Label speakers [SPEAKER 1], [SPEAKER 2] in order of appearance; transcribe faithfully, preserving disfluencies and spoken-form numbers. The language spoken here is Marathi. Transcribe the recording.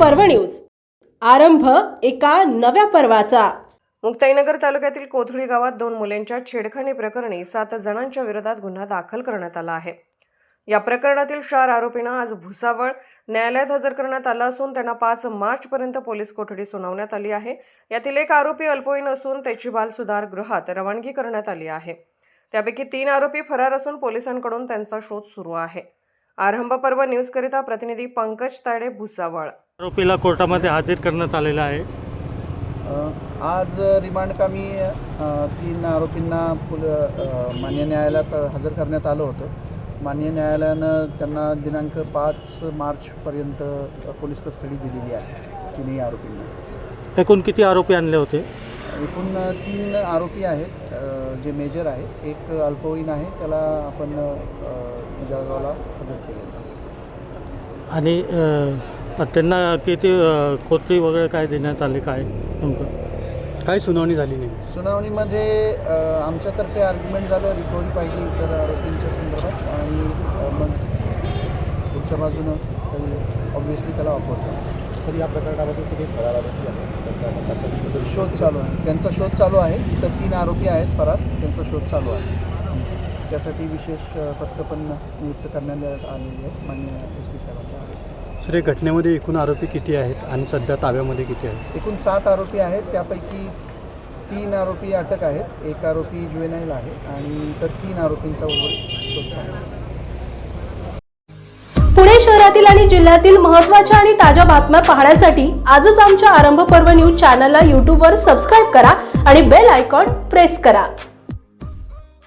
[SPEAKER 1] पर्व न्यूज। आरंभ एका नव्या पर्वाचा।
[SPEAKER 2] मुक्ताईनगर तालुक्यातील कोथळी गावात दोन मुलांच्या छेडखानी प्रकरणी सात जणांच्या विरोधात गुन्हा दाखल करण्यात आला आहे। या प्रकरणातील चार आरोपींना आज भुसावळ न्यायालयात हजर करण्यात आलं असून त्यांना पाच मार्च पर्यंत पोलीस कोठडी सुनावण्यात आली आहे। यातील एक आरोपी अल्पवयीन असून त्याची बाल सुधार गृहात रवानगी करण्यात आली आहे। त्यापैकी तीन आरोपी फरार असून पोलिसांकडून त्यांचा शोध सुरू आहे। आरंभ पर्व न्यूज करिता प्रतिनिधी पंकज ताडे, भुसावळ।
[SPEAKER 3] आरोपीला कोर्टामध्ये हजर करण्यात आलेला आहे।
[SPEAKER 4] आज रिमांड कामी तीन आरोपींना मान्य न्यायालयात हजर करण्यात आलं होतं। मान्य न्यायालयानं त्यांना दिनांक पाच मार्चपर्यंत पोलीस कस्टडी दिलेली आहे तिन्ही आरोपींना।
[SPEAKER 3] एकूण किती आरोपी आणले होते?
[SPEAKER 4] एकूण तीन आरोपी आहेत जे मेजर आहे, एक अल्पवयीन आहे, त्याला आपण जळगावला हजर केलेलं।
[SPEAKER 3] आणि त्यांना किती कोठडी वगैरे काय देण्यात आली, काय नेमकं काय सुनावणी झाली नाही?
[SPEAKER 4] सुनावणीमध्ये आमच्यातर्फे आर्ग्युमेंट झालं, रिकव्हरी पाहिजे इतर आरोपींच्या संदर्भात, आणि मग पुढच्या बाजूनं ऑब्व्हियसली त्याला ऑफर झाला।
[SPEAKER 5] तर या प्रकरणामध्ये किती फरार
[SPEAKER 4] शोध चालू आहे, त्यांचा शोध चालू आहे। तर तीन आरोपी आहेत फरार, त्यांचा शोध चालू आहे। त्यासाठी विशेष पथकं पण नियुक्त करण्यात आलेली आहे माननीय एस पी साहेबांच्या आदेशाने।
[SPEAKER 5] सर, या घटनेमध्ये एकूण आरोपी किती आहेत आणि सध्या ताब्यामध्ये किती आहेत?
[SPEAKER 4] एकूण सात आरोपी आहेत, त्यापैकी तीन आरोपी अटक आहेत, एक आरोपी जुवेनाईल आहे, आणि इतर तीन आरोपींचा उर्वरित शोध चालू आहे।
[SPEAKER 1] पुणे शहरातील आणि जिल्ह्यातील महत्त्वाच्या आणि ताज्या बातम्या पाहण्यासाठी आजच आमच्या आरंभ पर्व न्यूज चॅनलला यूट्यूबवर सबस्क्राईब करा आणि बेल आयकॉन प्रेस करा।